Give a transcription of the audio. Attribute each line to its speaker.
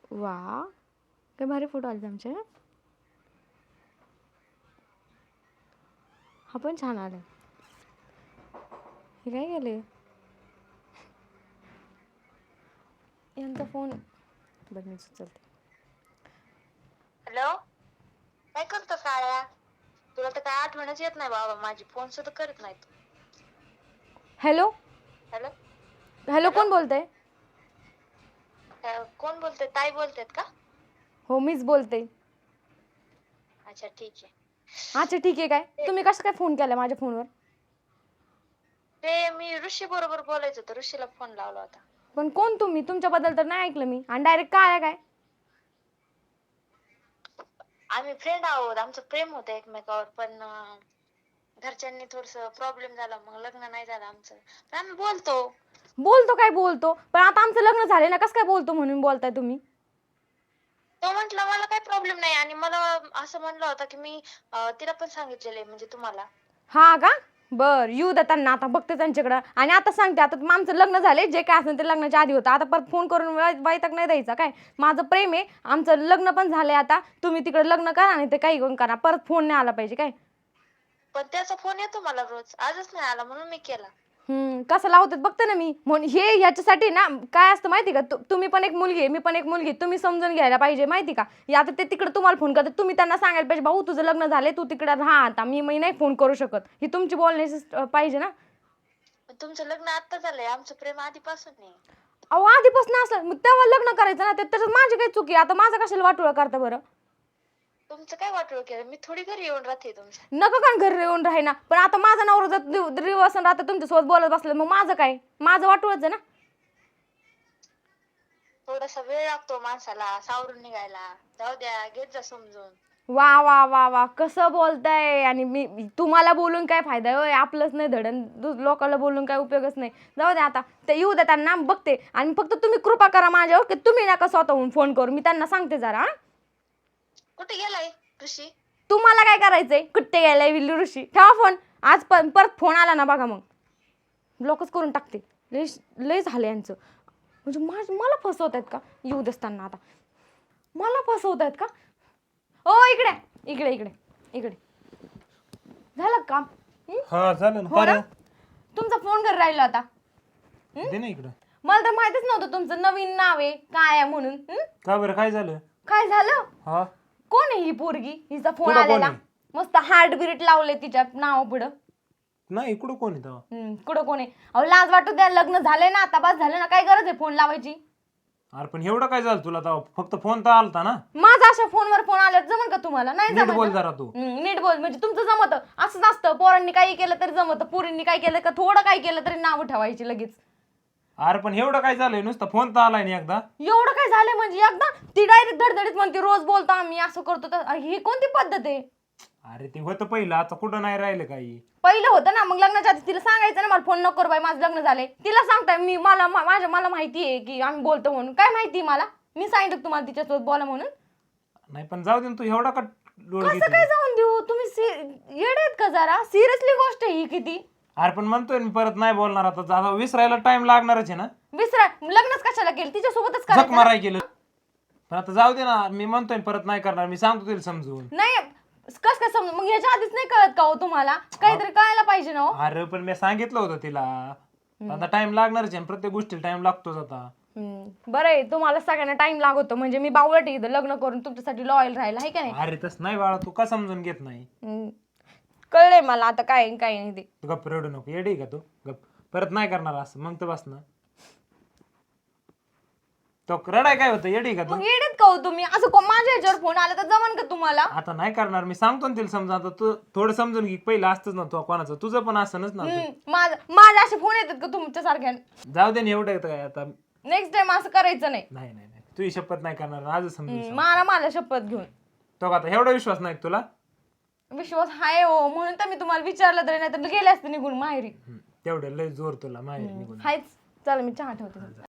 Speaker 1: वा, काय भारी फोटो आले आमचे. हा पण छान आलाय. हे काय केले यांचा फोन. बरं मी उचलते.
Speaker 2: हॅलो, काय करतो काळ्या? तुला तर काय आठवणच येत नाही बाबा माझी, फोन सुद्धा करत नाही तू.
Speaker 1: हॅलो
Speaker 2: हॅलो
Speaker 1: हॅलो,
Speaker 2: हॅलो,
Speaker 1: कोण बोलतंय?
Speaker 2: कोण बोलते? ताई बोलतेत का?
Speaker 1: हो, मीच बोलते.
Speaker 2: अच्छा ठीक आहे.
Speaker 1: अच्छा ठीक आहे. काय तुम्ही कसं काय फोन केला माझ्या फोनवर?
Speaker 2: ते मी ऋषी बरोबर बोलायचं होतं, ऋषीला फोन लावला होता.
Speaker 1: पण कोण तुम्ही? तुमच्याबद्दल तर नाही ऐकलं मी. आणि डायरेक्ट काय आहे काय?
Speaker 2: आम्ही फ्रेंड आहोत, आमचं प्रेम होतं एकमेकावर, पण घरच्यांनी थोडस प्रॉब्लेम झाला, मग लग्न नाही झालं आमचं. पण आम्ही बोलतो.
Speaker 1: काय बोलतो? पण आता आमचं लग्न झाले ना, कसं काय बोलतो म्हणून बोलताय तुम्ही?
Speaker 2: तो म्हंटला मला काही प्रॉब्लेम नाही, आणि मला असं म्हणलं होतं की मी तिला पण सांगितलेलं आहे, म्हणजे तुम्हाला.
Speaker 1: हा का? बर, येऊ द्या त्यांना, आता बघते त्यांच्याकडं. आणि आता सांगते, आता आमचं लग्न झाले, जे काय असेल ते लग्नाच्या आधी होतं. आता परत फोन करून वैताग नाही द्यायचा काय. माझं प्रेम आहे, आमचं लग्न पण झालंय. आता तुम्ही तिकडे लग्न करा आणि ते काही करून करा, परत फोन नाही आला पाहिजे काय.
Speaker 2: पण त्याचा फोन येतो मला रोज, आजच नाही आला म्हणून मी केला.
Speaker 1: कसं लावतात बघते ना मी. म्हणून हे ह्याच्यासाठी ना काय असतं माहिती का, तुम्ही पण एक मुलगी आहे, मी पण एक मुलगी, तुम्ही समजून घ्यायला पाहिजे माहिती का. आता ते तिकडे तुम्हाला फोन करतात, तुम्ही त्यांना सांगायला पाहिजे, भाऊ तुझं लग्न झाले, तू तिकडे राहा आता, मी नाही फोन करू शकत. ही तुमची बोलण्याची पाहिजे ना.
Speaker 2: पण तुमचं लग्न आता झालंय, आमचं प्रेम आधीपासून नाही.
Speaker 1: अहो, आधीपासून असलं मग तेव्हा लग्न करायचं ना. त्याच्यात माझी काही चुकी. आता माझं कशाला वाटोळं करता बरं?
Speaker 2: तुमचं काय वाटलं केलं? मी थोडी घरी येऊन राहते तुमच्या.
Speaker 1: नको का घरी येऊन राही ना. पण आता माझा नवरा जर दिवसन राहता तुमच्यासोबत बोलत बसलं, मग माझं काय? माझं वाटोळच आहे ना.
Speaker 2: थोडासा वेळ लागतो माणसाला सावरून निघायला. जाऊ द्या, घेत जा समजून.
Speaker 1: वा वा वा वा, कसं बोलताय. आणि मी तुम्हाला बोलून काय फायदा आहे? आपलंच नाही धडण, लोकांना बोलून काय उपयोगच नाही. जाऊ द्या आता, ते येऊ द्या, त्यांना बघते. आणि फक्त तुम्ही कृपा करा माझ्यावर, की तुम्ही नका स्वतःहून फोन करू. मी त्यांना सांगते जरा.
Speaker 2: कुठे गेलाय ऋषी?
Speaker 1: तुम्हाला काय करायचंय? कुठे गेलाय विल्लू ऋषी? ठेवा फोन. आज परत फोन आला ना बघा, मग ब्लॉकच करून टाकते. लय झालं यांचं. म्हणजे मला फसवत आहेत का? येऊ देताना आता मला फसवत आहेत का? ओ इकडे इकडे इकडे इकडे. झालं काम?
Speaker 3: हा झालं ना.
Speaker 1: हो ना?
Speaker 3: काय
Speaker 1: तुमचा फोन घरी राहिला आता.
Speaker 3: दे ना इकडं.
Speaker 1: मला तर माहितीच नव्हतं तुमचं नवीन नाव आहे काय आहे म्हणून.
Speaker 3: का बरं, काय झालं?
Speaker 1: काय झालं?
Speaker 3: हा,
Speaker 1: कोण आहे ही पोरगी? हिचा फोन
Speaker 3: कुठं कोण
Speaker 1: आलेला.
Speaker 3: आहे?
Speaker 1: मस्त हार्ट बीट लावले तिच्या नावा पुढं.
Speaker 3: नाही, इकडं कोण आहे तेव्हा?
Speaker 1: कुठं कोण आहे? अहो लाज वाटू द्या, लग्न झालंय ना आता, बस झालं ना. काय गरज आहे फोन लावायची?
Speaker 3: अरे पण एवढं काय झालं तुला तेव्हा? फक्त फोन तर आलता ना.
Speaker 1: माझा अशा फोनवर फोन आल्यावर जमन का तुम्हाला? नाही
Speaker 3: नीट
Speaker 1: जमत
Speaker 3: बोल
Speaker 1: ना.
Speaker 3: जरा तू.
Speaker 1: नीट बोल म्हणजे तुमचं जमत असंच असतं. पोरांनी काही केलं तरी जमत, पोरींनी काय केलं का थोडं काय केलं तरी नाव ठेवायची लगेच.
Speaker 3: अरे पण एवढं काय झालंय? नुसतं फोन तर आलाय ना एकदा.
Speaker 1: एवढं काय झालं म्हणजे एकदा? ती डायरेक्ट धडधडीत म्हणते रोज बोलतो आम्ही, असं करतो तर. ही कोणती पद्धत आहे?
Speaker 3: अरे ते होतं पहिलं, आता कुठं नाही राहिलं काही.
Speaker 1: पहिलं होतं ना, मग लग्नाच्या आधी तिला सांगायचं ना, मला फोन नको करू बाई, माझं लग्न झालंय. तिला सांगताय मी, मला माहिती आहे की आम्ही बोलतो म्हणून. काय माहिती मला? मी सांगितलं तुम्हाला तिच्यासोबत बोला म्हणून.
Speaker 3: नाही पण जाऊ दे ना, तू एवढा का लोड
Speaker 1: कसं
Speaker 3: घेते?
Speaker 1: काय जाऊन देऊ? तुम्ही येडे आहेत का जरा? सिरियसली गोष्ट आहे ही किती.
Speaker 3: अरे पण म्हणतोय मी परत नाही बोलणार. आता विसरायला टाइम लागणारच आहे ना.
Speaker 1: लग्नच कशाला केलं? तिच्यासोबतच
Speaker 3: झक
Speaker 1: करायचं ना.
Speaker 3: माराय केलं. पण आता जाऊ दे ना, मी म्हणतोय परत नाही करणार. मी सांगतो तिला समजून.
Speaker 1: नाही कस काय समजून? मग याच्या आधीच नाही कळत का हो तुम्हाला? काहीतरी कळायला पाहिजे ना हो.
Speaker 3: अरे पण मी सांगितलं होतं तिला, आता टाइम लागणारच आहे. प्रत्येक गोष्टीला टाइम लागतोच आता.
Speaker 1: बरं आहे, तुम्हाला सगळ्यांना टाइम लागतो म्हणजे मी बावळट इथं लग्न करून तुमच्यासाठी लॉयल राहिला आहे का नाही?
Speaker 3: अरे तस नाही बाळा, तू का समजून घेत नाही?
Speaker 1: कळलंय मला आता काय नाही ते.
Speaker 3: तू गप्प रडू नको. येडी का तू? गप्प. परत नाही करणार असं, मग तर बस ना. तो रडाय काय होतं? येडी का तू?
Speaker 1: मग येडेत का हो तुम्ही? असं माझ्या ह्याच्यावर फोन आला तर जमन का तुम्हाला?
Speaker 3: आता नाही करणार. मी सांगतो ना तिला समजा. आता तू थोडं समजून घे. पहिलं असतंच ना तू कोणाचं, तुझं पण असंच ना.
Speaker 1: माझे असे फोन येतात का तुमच्या सारख्या?
Speaker 3: जाऊ दे ना, एवढं येतं काय आता.
Speaker 1: नेक्स्ट टाइम असं करायचं नाही.
Speaker 3: नाही नाही नाही, तुझी शपथ नाही करणार आजच समजून.
Speaker 1: मला शपथ घेऊन.
Speaker 3: तो का आता एवढा विश्वास नाही का तुला?
Speaker 1: विश्वास आहे हो, म्हणून तर मी तुम्हाला विचारलं तरी, नाही तर गेले असते निघून माहेरी.
Speaker 3: तेवढं लय जोर तुला माहेर निघून.
Speaker 1: हायच. चला मी चहा ठेवते.